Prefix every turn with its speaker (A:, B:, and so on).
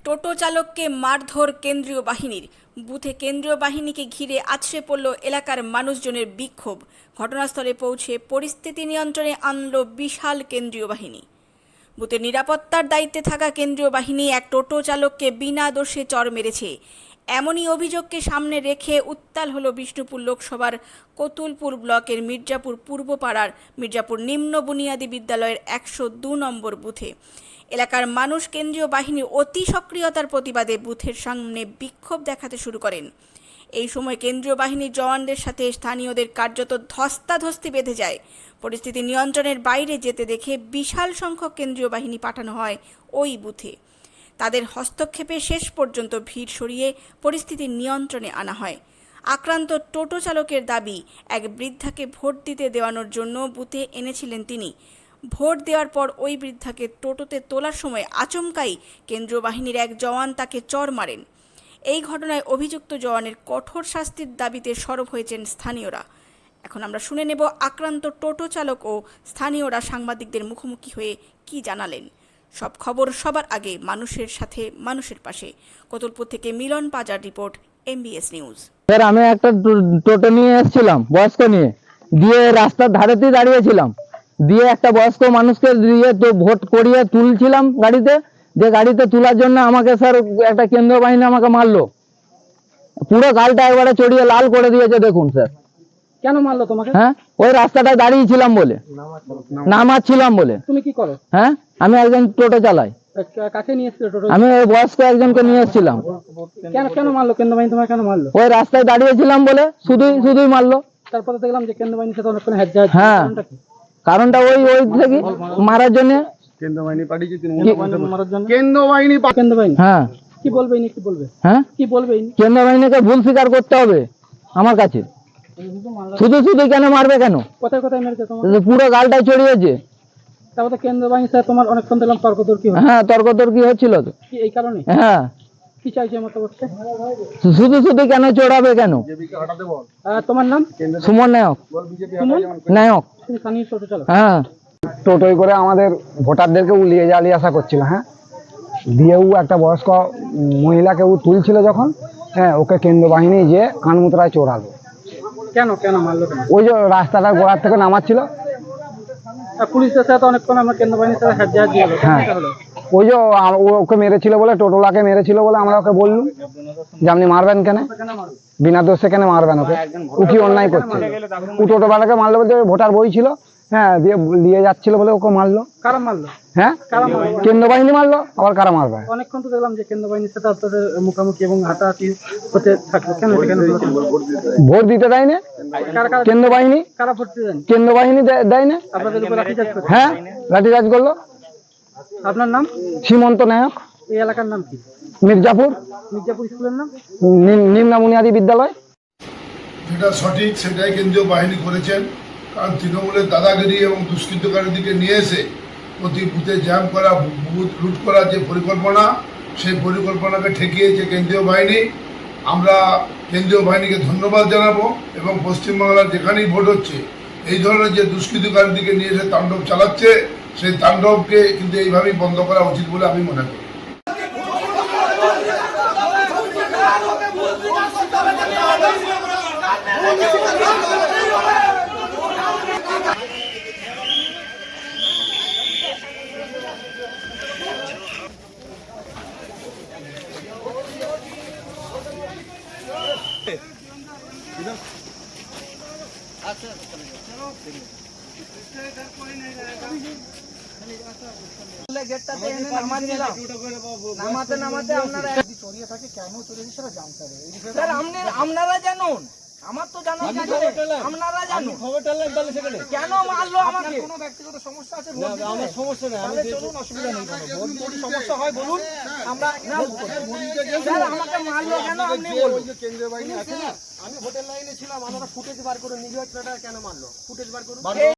A: টোটো চালককে মারধর কেন্দ্রীয় বাহিনীর। বুথে কেন্দ্রীয় বাহিনীকে ঘিরে আছড়ে পড়ল এলাকার মানুষজনের বিক্ষোভ। ঘটনাস্থলে পৌঁছে পরিস্থিতি নিয়ন্ত্রণে আনল বিশাল কেন্দ্রীয় বাহিনী। বুথের নিরাপত্তার দায়িত্বে থাকা কেন্দ্রীয় বাহিনী এক টোটো চালককে বিনা দোষে চড় মেরেছে। এমনই অভিযোগকে সামনে রেখে উত্তাল হল বিষ্ণুপুর লোকসভার কতুলপুর ব্লকের মির্জাপুর পূর্ব পাড়ার মির্জাপুর নিম্ন বুনিয়াদী বিদ্যালয়ের 102 নম্বর বুথে। এলাকার মানুষ কেন্দ্রীয় বাহিনীর অতি সক্রিয়তার প্রতিবাদে বুথের সামনে বিক্ষোভ দেখাতে শুরু করেন। এই সময় কেন্দ্রীয় বাহিনীর জওয়ানদের সাথে স্থানীয়দের কার্যত ধস্তাধস্তি বেঁধে যায়। পরিস্থিতি নিয়ন্ত্রণের বাইরে যেতে দেখে বিশাল সংখ্যক কেন্দ্রীয় বাহিনী পাঠানো হয় ওই বুথে। তাদের হস্তক্ষেপে শেষ পর্যন্ত ভিড় সরিয়ে পরিস্থিতি নিয়ন্ত্রণে আনা হয়। আক্রান্ত টোটো চালকের দাবি, এক বৃদ্ধাকে ভোট দিতে দেওয়ানোর জন্য বুথে এনেছিলেন তিনি। ভোট দেওয়ার পর ওই বৃদ্ধাকে টোটোতে তোলার সময় আচমকাই কেন্দ্রীয় বাহিনীর এক জওয়ান তাকে চড় মারেন। এই ঘটনায় অভিযুক্ত জওয়ানের কঠোর শাস্তির দাবিতে সরব হয়েছেন স্থানীয়রা। এখন আমরা শুনে নেব আক্রান্ত টোটো চালক ও স্থানীয়রা সাংবাদিকদের মুখোমুখি হয়ে কি জানালেন। সব খবর সবার আগে, মানুষের সাথে মানুষের পাশে। কতুলপুর থেকে Milan Pajar report, MBS news.
B: Sir, আমি একটা টোটো নিয়ে এসেছিলাম, বয়স্ক নিয়ে, দিয়ে রাস্তার ধারেতেই দাঁড়িয়েছিলাম, দিয়ে একটা বয়স্ক মানুষকে দিয়ে তো ভোট করিয়ে তুলছিলাম গাড়িতে, যে গাড়িতে তোলার জন্য আমাকে স্যার একটা কেন্দ্রীয় বাহিনী আমাকে মারলো, পুরো গালটা একবারে চড়িয়ে লাল করে দিয়েছে। দেখুন স্যার।
C: কেন মারলো তোমাকে?
B: হ্যাঁ, ওই রাস্তাটায় দাঁড়িয়েছিলাম বলে, নামাচ্ছিলাম বলে।
C: তুমি কি করো?
B: হ্যাঁ, আমি একজন টোটো চালাই।
C: কাকে নিয়ে এসেছিলে টোটো?
B: আমি ওই বয়স্ক একজনকে নিয়ে এসেছিলাম।
C: কেন কেন মারলো কেন্দ্র বাহিনী তোমাকে? কেন মারলো?
B: ওই রাস্তায় দাঁড়িয়েছিলাম বলে শুধুই মারলো।
C: তারপরে দেখলাম যে কেন্দ্র বাহিনীর সাথে অনেকক্ষণ হ্যাঁ,
B: কারণটা ওই থেকে মারার জন্য।
C: কেন্দ্র বাহিনী পাঠিয়েছে মারার জন্য। কেন্দ্র বাহিনী
B: হ্যাঁ,
C: কি বলবে ইনি? কি বলবে?
B: হ্যাঁ,
C: কি বলবে ইনি?
B: কেন্দ্র বাহিনীকে ভুল স্বীকার করতে হবে আমার কাছে। শুধু কেন মারবে? কেন?
C: কোথায় কোথায় মেরেছে তোমার?
B: পুরো গালটাই চড়িয়েছে।
C: তারপরে কেন্দ্র বাহিনীর সাথে তোমার অনেকক্ষণ দেখলাম তর্কতর্কি হচ্ছে।
B: হ্যাঁ, তর্কতর্কি হচ্ছিল তো।
C: কি এই কারণে?
B: হ্যাঁ,
C: কি চাইছে মত বলছে?
B: শুধু কেন চড়াবে? কেন?
C: তোমার নাম?
B: সুমন নায়ক। নায়ক।
C: তুমি স্থানীয় টোটো চালক?
B: হ্যাঁ,
D: টোটোয় করে আমাদের ভোটারদেরকে উলিয়ে জ্বালিয়ে আসা করছিল। হ্যাঁ, দিয়েও একটা বয়স্ক মহিলাকে তুলছিল যখন, হ্যাঁ, ওকে কেন্দ্র বাহিনী যে কানমুতরায় চোরালো।
C: কেন কেন মারলো?
D: ওই যে রাস্তাটা গোড়ার থেকে নামাচ্ছিল।
C: পুলিশের সাথে অনেকক্ষণ আমরা কেন্দ্র বাহিনীর সাথে হাত দিয়ে
D: হ্যাঁ, ওই যে ওকে মেরেছিল বলে, টোটোলাকে মেরেছিল বলে আমরা ওকে বললুম যে আপনি মারবেন কেন, বিনা দোষে কেন মারবেন ওকে, ও কি অন্যায় করছে? ও টোটোওয়ালাকে মারলো বলতে ভোটার বই ছিল, হ্যাঁ, দিয়ে নিয়ে যাচ্ছিল বলে ওকে মারলো।
C: কারা মারলো?
D: হ্যাঁ, কেন্দ্র বাহিনী মারলো। আবার কারা মারবে?
C: অনেকক্ষণ তো দেখলাম যে কেন্দ্র বাহিনীর সাথে আপনাদের মুখোমুখি এবং হাতাহাতি হতে থাকলো। কেন
D: ভোট দিতে দেয় না কেন্দ্র বাহিনী?
C: কারা ভোট দিতে দেন?
D: কেন্দ্র বাহিনী দেয় না।
C: আপনাদের উপর লাঠিচার্জ করছে?
D: হ্যাঁ, লাঠিচার্জ করলো।
C: আপনার নাম?
D: সীমন্ত নায়ক।
C: এই এলাকার নাম কি?
D: মির্জাপুর
C: স্কুলের নাম?
D: নিম্ন বুনিয়াদী বিদ্যালয়।
E: যেটা সঠিক সেটাই কেন্দ্রীয় বাহিনী করেছেন। কারণ তৃণমূলের দাদাগিরি এবং দুষ্কৃতকারীদিকে নিয়ে এসে প্রতি বুথে জ্যাম করা, বুথ লুট করার যে পরিকল্পনা, সেই পরিকল্পনাকে ঠেকিয়েছে কেন্দ্রীয় বাহিনী। আমরা কেন্দ্রীয় বাহিনীকে ধন্যবাদ জানাবো এবং পশ্চিমবাংলার যেখানেই ভোট হচ্ছে এই ধরনের যে দুষ্কৃতকারীদিকে নিয়ে এসে তাণ্ডব চালাচ্ছে, সেই তাণ্ডবকে কিন্তু এইভাবেই বন্ধ করা উচিত বলে আমি মনে করি।
F: আপনারা জানুন, আমার তো জানার আপনারা জানুন কেন মারলো আমাকে। কোনো ব্যক্তিগত সমস্যা আছে? আমার সমস্যা নেই, আমি চলুন, অসুবিধা নেই। যদি সমস্যা হয় বলুন, আমরা আমাকে মারলো কেন আপনি বলুন। কেন্দ্রীয় বাহিনী আছে না, আমি হোটেল লাইনে ছিলাম, আমরা ফুটেজ বার করে নিজে কেন মারলো, ফুটেজ বার করুন।